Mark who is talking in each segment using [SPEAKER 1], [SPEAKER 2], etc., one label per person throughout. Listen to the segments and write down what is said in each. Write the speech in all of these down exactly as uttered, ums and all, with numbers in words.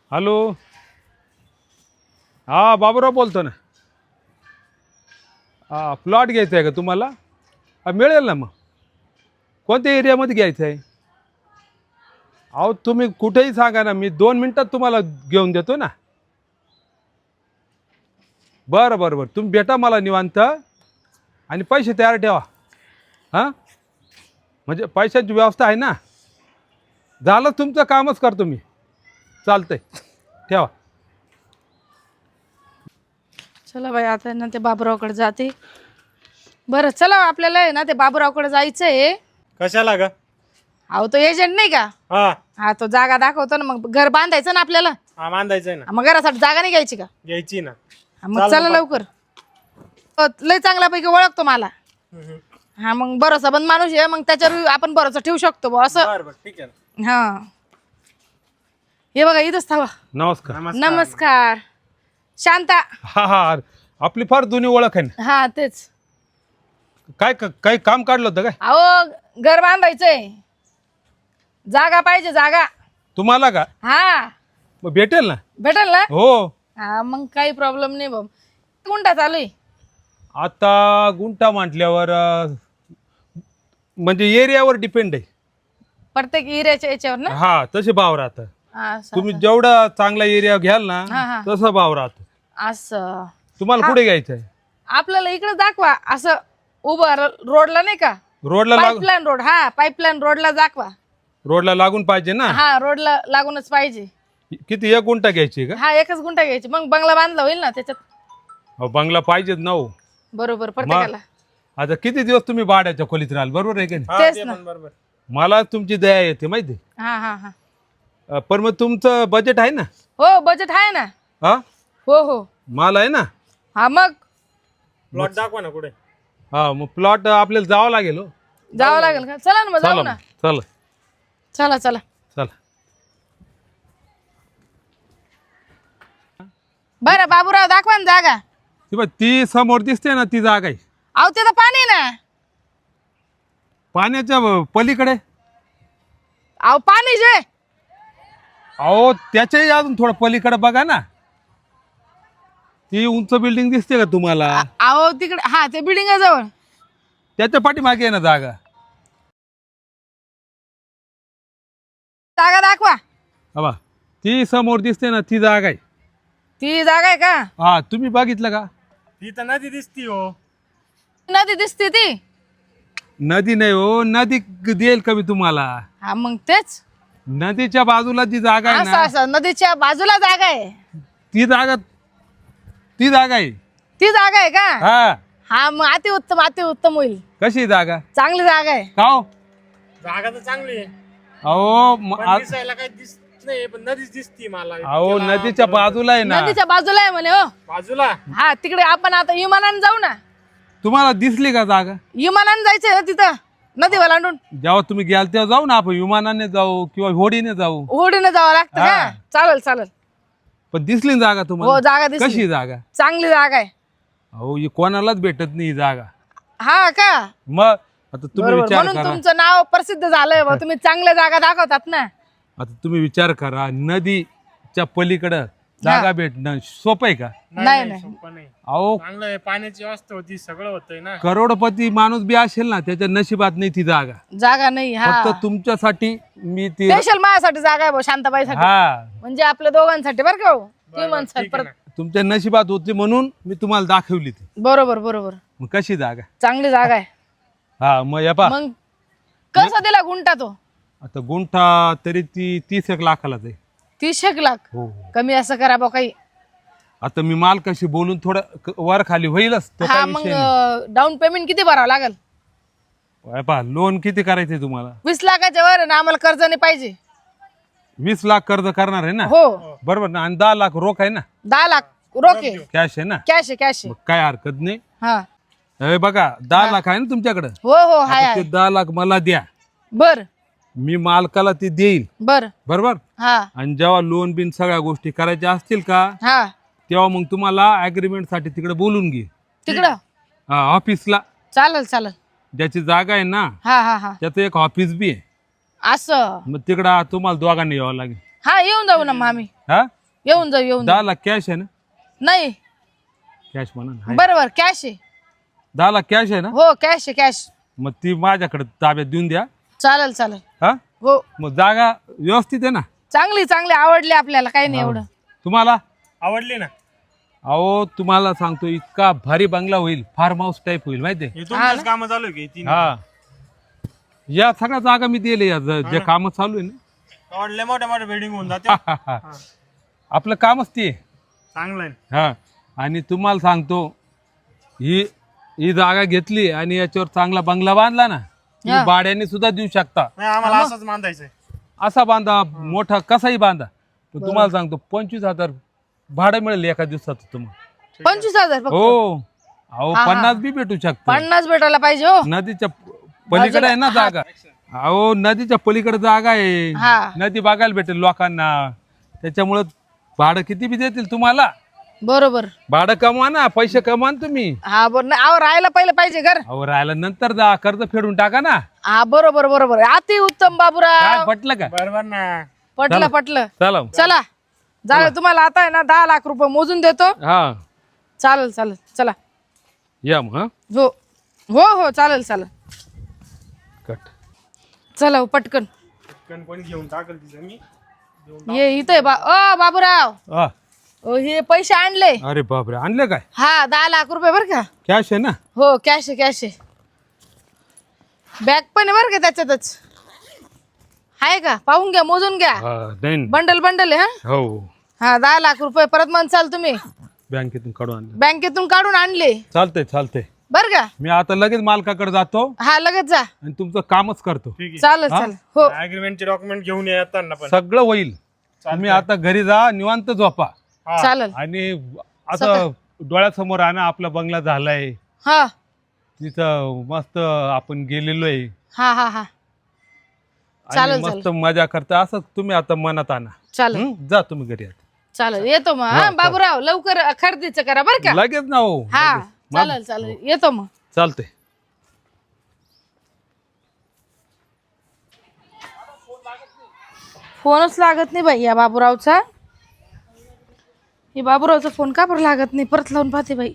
[SPEAKER 1] Hello, हा बाबूराव बोलतो ना. हा प्लॉट घ्यायचा आहे का तुम्हाला? हा मिळेल ना. मग कोणत्या एरियामध्ये घ्यायचं आहे? अहो तुम्ही कुठेही सांगा ना, मी दोन मिनटात तुम्हाला घेऊन देतो ना. बरं बरं बरं, तुम्ही भेटा मला निवांत आणि पैसे तयार ठेवा. हां, म्हणजे पैशाची व्यवस्था आहे ना. झालं तुमचं कामच करतो मी. चालतंय, ठेवा.
[SPEAKER 2] चला बाई, आता ना ते बाबूरावकडे जाते. बरं चला, आपल्याला आहे ना ते बाबूरावकडे जायचंय.
[SPEAKER 3] कशाला ग?
[SPEAKER 2] अहो तो एजंट नाही का,
[SPEAKER 3] हा
[SPEAKER 2] हा तो जागा दाखवतो ना. मग घर बांधायचं ना आपल्याला.
[SPEAKER 3] हा बांधायचंय ना.
[SPEAKER 2] मग घरासाठी जागा नाही घ्यायची का?
[SPEAKER 3] घ्यायची ना.
[SPEAKER 2] हा, मग चला लवकर. अ, लय चांगल्यापैकी ओळखतो मला. हा मग भरोसा बंद माणूस आहे, मग त्याच्यावर आपण भरोसा ठेवू शकतो बुवा असं.
[SPEAKER 3] बरं बरं ठीक आहे ना.
[SPEAKER 2] हा, हे बघा इथंच थांबा.
[SPEAKER 1] नमस्कार.
[SPEAKER 2] नमस्कार. शांता.
[SPEAKER 1] हा हा, आपली फार जुनी ओळख आहे ना.
[SPEAKER 2] हा तेच.
[SPEAKER 1] काय क- काही काम काढलं होतं काय
[SPEAKER 2] अहो घर बांधायचंय, जागा पाहिजे जागा.
[SPEAKER 1] तुम्हाला? का
[SPEAKER 2] हा
[SPEAKER 1] मग भेटेल ना.
[SPEAKER 2] भेटेल ना.
[SPEAKER 1] हो,
[SPEAKER 2] हा मग काही प्रॉब्लेम नाही बाबा. गुंठा चालू आहे.
[SPEAKER 1] आता गुंठा म्हटल्यावर अं, म्हणजे एरियावर डिपेंड आहे.
[SPEAKER 2] प्रत्येक एरियाच्या याच्यावर ना.
[SPEAKER 1] हा, तसे भाव राहतात.
[SPEAKER 2] हा, असं
[SPEAKER 1] तुम्ही जेवढा चांगला एरिया घ्याल
[SPEAKER 2] हा,
[SPEAKER 1] ना
[SPEAKER 2] हा.
[SPEAKER 1] तसा भाव राहतो.
[SPEAKER 2] असं
[SPEAKER 1] तुम्हाला कुठे घ्यायचं आहे?
[SPEAKER 2] आपल्याला इकडे दाखवा. असं उभं र- रोडला नाही का,
[SPEAKER 1] रोडला लागून?
[SPEAKER 2] Pipeline road. हा पाईपलाईन रोडला दाखवा.
[SPEAKER 1] रोडला लागून पाहिजे ना.
[SPEAKER 2] हा रोडला लागूनच पाहिजे.
[SPEAKER 1] किती, एक गुंठा घ्यायची का?
[SPEAKER 2] हा एकच गुंठा घ्यायची, मग बंगला बांधला होईल ना त्याच्यात.
[SPEAKER 1] अहो, बंगला पाहिजेच ना हो.
[SPEAKER 2] बरोबर प्रत्येकाला.
[SPEAKER 1] आता किती दिवस तुम्ही भाड्याच्या खोलीत राहाल, बरोबर आहे की नाही?
[SPEAKER 3] हा,
[SPEAKER 2] तेच
[SPEAKER 3] ते
[SPEAKER 2] ना.
[SPEAKER 3] पण बरोबर.
[SPEAKER 1] मला तुमची दया येते माहिती आहे.
[SPEAKER 2] हा हा हा.
[SPEAKER 1] अं, पण मग तुमचं बजेट आहे ना?
[SPEAKER 2] हो बजेट आहे ना.
[SPEAKER 1] हा,
[SPEAKER 2] हो हो.
[SPEAKER 1] मला आहे ना.
[SPEAKER 2] हा मग
[SPEAKER 3] प्लॉट दाखवा ना कुठे.
[SPEAKER 1] हा, मग प्लॉट आपल्याला जावं लागेल हो.
[SPEAKER 2] जावं लागेल का? चला ना मग जाऊ
[SPEAKER 1] चला
[SPEAKER 2] ना.
[SPEAKER 1] मग, चला
[SPEAKER 2] चला चला.
[SPEAKER 1] चला.
[SPEAKER 2] बरं बाबूराव दाखवा ना जागा.
[SPEAKER 1] ती बघ, ती समोर दिसते ना, ती जागा आहे.
[SPEAKER 2] अहो तिथं पाणी आहे ना.
[SPEAKER 1] पाण्याच्या ब- पलीकडे.
[SPEAKER 2] अहो पाणी जे.
[SPEAKER 1] अहो त्याच्याही अजून थोडं पलीकडे बघा ना. ती उंच बिल्डिंग दिसते का तुम्हाला?
[SPEAKER 2] अहो तिकडे हा ते बिल्डिंग जवळ.
[SPEAKER 1] त्याच्या पाठीमागे आहे ना जागा.
[SPEAKER 2] जागा दाखवा.
[SPEAKER 1] हा, ती समोर दिसते ना, ती जागा आहे.
[SPEAKER 2] ती जागा आहे का?
[SPEAKER 1] हा, तुम्ही बघितलं का?
[SPEAKER 3] ती तर नदी दिसती हो.
[SPEAKER 2] नदी दिसते ती.
[SPEAKER 1] नदी नाही हो, नदी देईल का मी तुम्हाला?
[SPEAKER 2] हा मग तेच.
[SPEAKER 1] नदीच्या बाजूला जी जागा आहे
[SPEAKER 2] असं
[SPEAKER 1] ना,
[SPEAKER 2] असं नदीच्या बाजूला जागा आहे.
[SPEAKER 1] ती जागा ती जागा आहे.
[SPEAKER 2] ती जागा आहे का?
[SPEAKER 1] हा,
[SPEAKER 2] हा मग अति उत्तम अति उत्तम होईल.
[SPEAKER 1] कशी जागा?
[SPEAKER 2] चांगली जागा आहे.
[SPEAKER 1] का हो?
[SPEAKER 3] जागा तर चांगली आहे.
[SPEAKER 1] अहो म-
[SPEAKER 3] पण
[SPEAKER 1] आ-
[SPEAKER 3] दिसायला काही दिसत नाही, पण नदीच दिसती मला.
[SPEAKER 1] अहो
[SPEAKER 3] त्याला
[SPEAKER 1] नदीच्या
[SPEAKER 3] बरोबर.
[SPEAKER 1] बाजूला आहे ना.
[SPEAKER 2] नदीच्या बाजूला आहे म्हणे हो.
[SPEAKER 3] बाजूला.
[SPEAKER 2] हा तिकडे आपण आता विमानाने जाऊ ना.
[SPEAKER 1] तुम्हाला दिसली का जागा?
[SPEAKER 2] विमानाने जायचंय ना तिथं नदी ओलांडून.
[SPEAKER 1] जेव्हा तुम्ही गेल तेव्हा जाऊ ना, आपण विमानाने जाऊ किंवा होडीने जाऊ.
[SPEAKER 2] होडीने जावं लागतं
[SPEAKER 1] हा.
[SPEAKER 2] का? चालेल चालेल.
[SPEAKER 1] पण दिसली ना जागा
[SPEAKER 2] हो
[SPEAKER 1] तुम्हाला?
[SPEAKER 2] जागा दिसली.
[SPEAKER 1] कशी जागा?
[SPEAKER 2] चांगली जागा आहे.
[SPEAKER 1] अहो ही कोणालाच भेटत नाही ही जागा.
[SPEAKER 2] हा का?
[SPEAKER 1] मग आता तुम्ही
[SPEAKER 2] बरोबर.
[SPEAKER 1] विचार
[SPEAKER 2] म्हणून
[SPEAKER 1] करा.
[SPEAKER 2] तुमचं नाव प्रसिद्ध झालंय बा. तुम्ही चांगल्या जागा दाखवतात ना.
[SPEAKER 1] आता तुम्ही विचार करा, नदीच्या पलीकडं जागा भेटणं सोपं आहे का?
[SPEAKER 2] नाही नाही.
[SPEAKER 3] सोपं नाही.
[SPEAKER 1] अहो
[SPEAKER 3] चांगलं आहे, पाण्याची व्यवस्था होती, सगळं होतंय ना.
[SPEAKER 1] करोडपती माणूस बी असेल ना, त्याच्या नशिबात नाही ती जागा.
[SPEAKER 2] जागा नाही. हा
[SPEAKER 1] फक्त तुमच्यासाठी मी ती.
[SPEAKER 2] स्पेशल माझ्यासाठी जागा आहे भाऊ, शांताबाईसाठी.
[SPEAKER 1] हा,
[SPEAKER 2] म्हणजे आपल्या दोघांसाठी बरं का हो. तुम्ही म्हणसाल
[SPEAKER 3] ठीक आहे
[SPEAKER 2] परत.
[SPEAKER 1] तुमच्या नशिबात होती म्हणून मी तुम्हाला दाखवली ती.
[SPEAKER 2] बरोबर बरोबर.
[SPEAKER 1] मग कशी जागा?
[SPEAKER 2] चांगली जागा आहे.
[SPEAKER 1] हा, मग या पा
[SPEAKER 2] मग कसा दिला गुंठा तो?
[SPEAKER 1] आता गुंठा तरी ती तीस एक लाखालाच आहे.
[SPEAKER 2] तीस एक लाख.
[SPEAKER 1] हो.
[SPEAKER 2] कमी असं करा बा काही.
[SPEAKER 1] आता मी मालकाशी बोलून थोडं क- वर खाली होईलच तो
[SPEAKER 2] हा
[SPEAKER 1] काय
[SPEAKER 2] मग
[SPEAKER 1] विषय नाही.
[SPEAKER 2] डाऊन पेमेंट किती भरावं लागेल?
[SPEAKER 1] या पहा, लोन किती करायचंय तुम्हाला?
[SPEAKER 2] वीस लाखाच्या वर आहे ना, आम्हाला कर्ज नाही पाहिजे.
[SPEAKER 1] वीस लाख कर्ज करणार आहे ना?
[SPEAKER 2] हो.
[SPEAKER 1] बरोबर ना? आणि दहा लाख रोख आहे ना?
[SPEAKER 2] दहा लाख रोखे.
[SPEAKER 1] कॅश आहे ना?
[SPEAKER 2] कॅश आहे कॅश आहे.
[SPEAKER 1] मग काय हरकत नाही.
[SPEAKER 2] हा
[SPEAKER 1] हे बघा, दहा लाख आहे ना तुमच्याकडे?
[SPEAKER 2] हो हो हाय
[SPEAKER 1] आता ते
[SPEAKER 2] हाय.
[SPEAKER 1] दहा लाख मला द्या,
[SPEAKER 2] बर
[SPEAKER 1] मी मालकाला ते देईल.
[SPEAKER 2] बर.
[SPEAKER 1] बरोबर?
[SPEAKER 2] हा
[SPEAKER 1] आणि जेव्हा लोन बिन सगळ्या गोष्टी करायच्या असतील का,
[SPEAKER 2] हा.
[SPEAKER 1] तेव्हा मग तुम्हाला अग्रीमेंट साठी तिकडे बोलून घे.
[SPEAKER 2] तिकडं
[SPEAKER 1] हा, ऑफिसला.
[SPEAKER 2] चालेल चालेल.
[SPEAKER 1] ज्याची जागा आहे ना,
[SPEAKER 2] हा हा हा.
[SPEAKER 1] त्याचं एक ऑफिस बी आहे.
[SPEAKER 2] असं.
[SPEAKER 1] मग तिकडं तुम्हाला दोघांनी यावं लागेल.
[SPEAKER 2] हा येऊन जाऊ ना मग आम्ही.
[SPEAKER 1] हा,
[SPEAKER 2] येऊन जाऊ येऊन जाऊ.
[SPEAKER 1] दहा लाख कॅश आहे ना?
[SPEAKER 2] नाही
[SPEAKER 1] कॅश म्हणा ना. आहे.
[SPEAKER 2] बरोबर कॅश आहे.
[SPEAKER 1] दहा लाख कॅश आहे ना?
[SPEAKER 2] हो कॅश आहे कॅश.
[SPEAKER 1] मग ती माझ्याकडे ताब्यात देऊन द्या.
[SPEAKER 2] चालेल चालेल.
[SPEAKER 1] हा
[SPEAKER 2] हो
[SPEAKER 1] मग जागा व्यवस्थित आहे ना?
[SPEAKER 2] चांगली चांगली आवडली आपल्याला, काही नाही एवढं.
[SPEAKER 1] तुम्हाला?
[SPEAKER 3] आवडली ना?
[SPEAKER 1] अहो तुम्हाला सांगतो इतका भारी बंगला होईल, फार्म हाऊस टाईप होईल माहितीये.
[SPEAKER 3] हे तुमचंच काम चालू आहे की तीन?
[SPEAKER 1] हा या सगळ्या जागा मी दिले या ज- जे काम चालू आहे ना.
[SPEAKER 3] आवडले मोठ्या मोठ्या बिल्डिंग होऊन जाते.
[SPEAKER 1] आपलं कामच ते.
[SPEAKER 3] चांगलं आहे.
[SPEAKER 1] हा आणि तुम्हाला सांगतो ही ही जागा घेतली आणि याच्यावर चांगला बंगला बांधला ना, तुम्ही भाड्याने सुद्धा देऊ शकता.
[SPEAKER 3] नाही आम्हाला असंच बांधायचंय.
[SPEAKER 1] असा बांधा मोठा कसाही बांधा, पण तुम्हाला सांगतो पंचवीस हजार भाडं मिळेल एका दिवसाचं तुम्हाला.
[SPEAKER 2] पंचवीस हजार फक्त?
[SPEAKER 1] हो अहो पन्नास बी भेटू शकतो.
[SPEAKER 2] पन्नास भेटायला पाहिजे हो.
[SPEAKER 1] नदीच्या पलीकडे आहे ना जागा. अहो नदीच्या पलीकडे जागा आहे,
[SPEAKER 2] हा
[SPEAKER 1] नदी बघायला भेटेल लोकांना. त्याच्यामुळं भाडं किती बी देतील तुम्हाला.
[SPEAKER 2] बरोबर.
[SPEAKER 1] भाडं कमवा ना, पैसे कमवा ना तुम्ही.
[SPEAKER 2] हा बरोबर. नाही अहो राहायला पहिलं पाहिजे घर.
[SPEAKER 1] अहो राहायला नंतर जा, कर्ज फेडून टाका ना.
[SPEAKER 2] हा बरोबर बरोबर. अति उत्तम
[SPEAKER 1] काय
[SPEAKER 2] बाबूराव.
[SPEAKER 1] पटलं का?
[SPEAKER 3] बरोबर ना?
[SPEAKER 2] पटलं पटलं.
[SPEAKER 1] चला
[SPEAKER 2] चला जागा तुम्हाला आता आहे ना दहा लाख रुपये मोजून देतो.
[SPEAKER 1] हा
[SPEAKER 2] चालेल चालेल चला.
[SPEAKER 1] या मग. हा
[SPEAKER 2] हो हो हो चालेल चालेल.
[SPEAKER 1] कट.
[SPEAKER 2] चला हो, पटकन
[SPEAKER 3] पटकन कोणी घेऊन टाकल ती जमीन.
[SPEAKER 2] ये इथे बा ओ बाबूराव.
[SPEAKER 1] हा.
[SPEAKER 2] ओ हे पैसे आणले.
[SPEAKER 1] अरे बापरे आणले काय?
[SPEAKER 2] हा दहा लाख रुपये बर का?
[SPEAKER 1] कॅश आहे ना?
[SPEAKER 2] हो कॅश आहे कॅश आहे. बॅग पण आहे बरं का त्याच्यातच. आहे का? पाहून घ्या मोजून घ्या.
[SPEAKER 1] हा, नाही
[SPEAKER 2] बंडल बंडल आहे. हा
[SPEAKER 1] हो
[SPEAKER 2] हा दहा लाख रुपये परत म्हणसाल तुम्ही.
[SPEAKER 1] बँकेतून काढून आणले.
[SPEAKER 2] बँकेतून काढून आणले
[SPEAKER 1] चालतंय चालतंय.
[SPEAKER 2] बर का?
[SPEAKER 1] मी आता लगेच मालकाकडे जातो
[SPEAKER 2] हा लगेच जा.
[SPEAKER 1] आणि तुमचं कामच करतो.
[SPEAKER 3] ठीक आहे.
[SPEAKER 2] चालेल चालेल. हो
[SPEAKER 3] अग्रीमेंटचे डॉक्युमेंट घेऊन या येताना पण.
[SPEAKER 1] सगळं होईल. तुम्ही आता घरी जा निवांत झोपा
[SPEAKER 3] हा.
[SPEAKER 2] चालेल.
[SPEAKER 1] आणि असं डोळ्यासमोर आणा आपला बंगला झालाय
[SPEAKER 2] हा
[SPEAKER 1] तिथं मस्त आपण गेलेलो आहे
[SPEAKER 2] हा हा हा
[SPEAKER 1] आणि
[SPEAKER 2] चालेल,
[SPEAKER 1] मस्त मजा करता असं तुम्ही आता मनात आणा.
[SPEAKER 2] चालेल
[SPEAKER 1] हं? जा तुम्ही घरी आता.
[SPEAKER 2] चालेल येतो मग. हा बाबूराव लवकर खरेदीचं करा बर का?
[SPEAKER 1] लगेच ना हो.
[SPEAKER 2] हा चालेल चालेल येतो मग.
[SPEAKER 1] चालतंय.
[SPEAKER 2] फोनच लागत नाही बाई या बाबूरावचा. हे बाबूरावचा फोन का बरं लागत नाही? परत लावून पाहते बाई.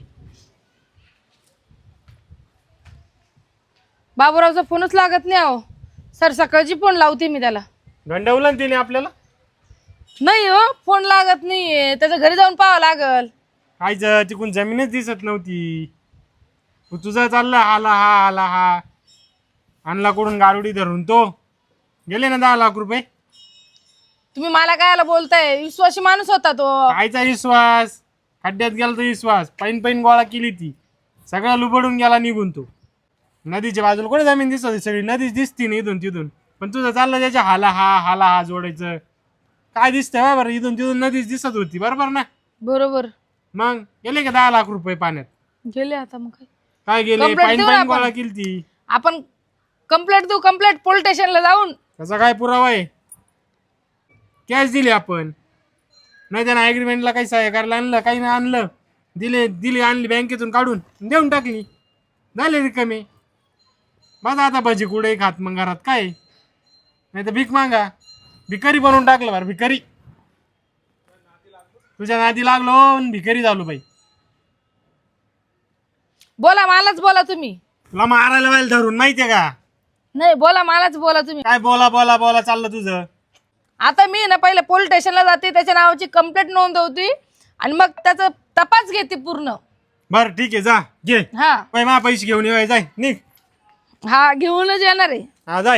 [SPEAKER 2] बाबूरावचा फोनच लागत नाही अहो. सर सकाळची फोन लावते मी त्याला.
[SPEAKER 3] गंडवलं ना तिने आपल्याला.
[SPEAKER 2] नाही हो फोन लागत नाहीये. त्याच्या घरी जाऊन पाहावं लागल.
[SPEAKER 3] कायचं तिकून जमीनच दिसत नव्हती. तू तुझा चालला आला हा आला हा आणला कुठून गारुडी धरून तो. गेले ना दहा लाख रुपये.
[SPEAKER 2] तुम्ही मला कायला बोलताय? विश्वासी माणूस होता तो.
[SPEAKER 3] कायचा विश्वास? खड्ड्यात गेला तो विश्वास. पैन पैन गोळा केली ती. सगळा लुबडून गेला निघून तो. नदीच्या बाजूला कोणी जमीन दिसत होती? सगळी नदीच दिसती ना इथून तिथून. पण तुझं चाललं त्याच्या हाला हा हाला हा जोडायचं. काय दिसतंय बरं? इथून तिथून नदीच दिसत होती बरोबर ना?
[SPEAKER 2] बरोबर.
[SPEAKER 3] मग गेले का दहा लाख रुपये पाण्यात?
[SPEAKER 2] गेले आता मग काय?
[SPEAKER 3] काय गेले?
[SPEAKER 2] Complaint
[SPEAKER 3] पाईन
[SPEAKER 2] देऊ ना
[SPEAKER 3] पाईन
[SPEAKER 2] आपण.
[SPEAKER 3] गोळा केली ती.
[SPEAKER 2] आपण कंप्लेंट देऊ कंप्लेंट पोलीस स्टेशनला जाऊन.
[SPEAKER 3] त्याचा काय पुरावा आहे? कॅश दिली आपण. नाही त्यानं ॲग्रीमेंटला काही सहाय्य करायला आणलं काही नाही आणलं. दिले दिली आणली बँकेतून काढून देऊन टाकली. झाले रिकामे. माझा आता भजी कुठे खात मग घरात काय? नाही तर भीक मागा. भिकारी बनवून टाकलं बरं भिकारी. तुझ्या नादी लागलो आणि भिकारी झालो बाई.
[SPEAKER 2] बोला मलाच बोला तुम्ही.
[SPEAKER 3] तुला मारायला व्हायला धरून माहितीये का?
[SPEAKER 2] नाही बोला मलाच बोला तुम्ही.
[SPEAKER 3] काय बोला बोला बोला चाललं तुझं.
[SPEAKER 2] आता मी ना पहिले पोलीस स्टेशनला जाते. त्याच्या नावाची कंप्लेंट नोंदवते आणि मग त्याचा तपास घेते पूर्ण.
[SPEAKER 3] बरं ठीक आहे जा घे.
[SPEAKER 2] हा
[SPEAKER 3] पै मा पैसे घेऊन ये जाय निघ.
[SPEAKER 2] हा घेऊनच येणार आहे.
[SPEAKER 3] हा जाय.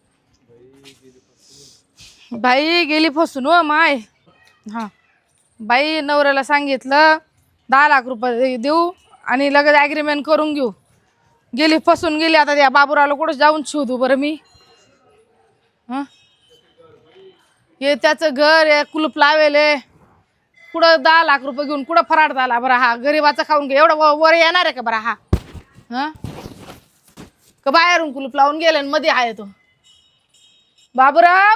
[SPEAKER 2] बाई गेली फसून हो माय. हा बाई नवऱ्याला सांगितलं दहा लाख रुपये देऊ आणि लगेच ॲग्रीमेंट करून घेऊ. गेली फसून गेली. आता त्या बाबूरावला कुठं जाऊन शोधू बरं मी? हां हे त्याचं घर आहे कुलूप लावेले. कुठं दहा लाख रुपये घेऊन कुठं फरार झाला बरं हा? गरीबाचं खाऊन घे एवढं व- वर येणार आहे का बरं हा? हां का बाहेरून कुलूप लावून गेले आणि मध्ये आहे तो बाबूराव?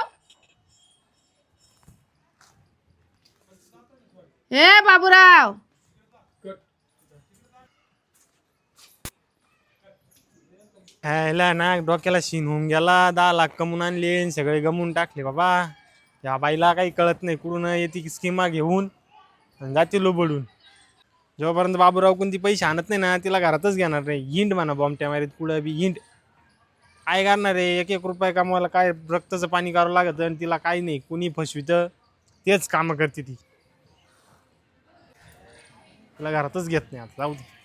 [SPEAKER 2] हे बाबूराव
[SPEAKER 3] ह्याला ना डोक्याला शीन होऊन गेला. दहा लाख कमवून आणले आणि सगळे गमवून टाकले बाबा. या बाईला काही कळत नाही, कुठून येते स्कीमा घेऊन आणि जाते लोबडून. जोपर्यंत बाबूराव कोणती पैसे आणत नाही ना तिला घरातच घेणार नाही. हिंड म्हणा बॉम्बट्या मारीत पुढं बी हिंड. काय करणार आहे, एक एक रुपये कमवायला काय रक्ताचं पाणी करावं लागत आणि तिला काही नाही. कुणी फसवितं तेच कामं करते ती. तिला घरातच घेत नाही आता, जाऊ दे.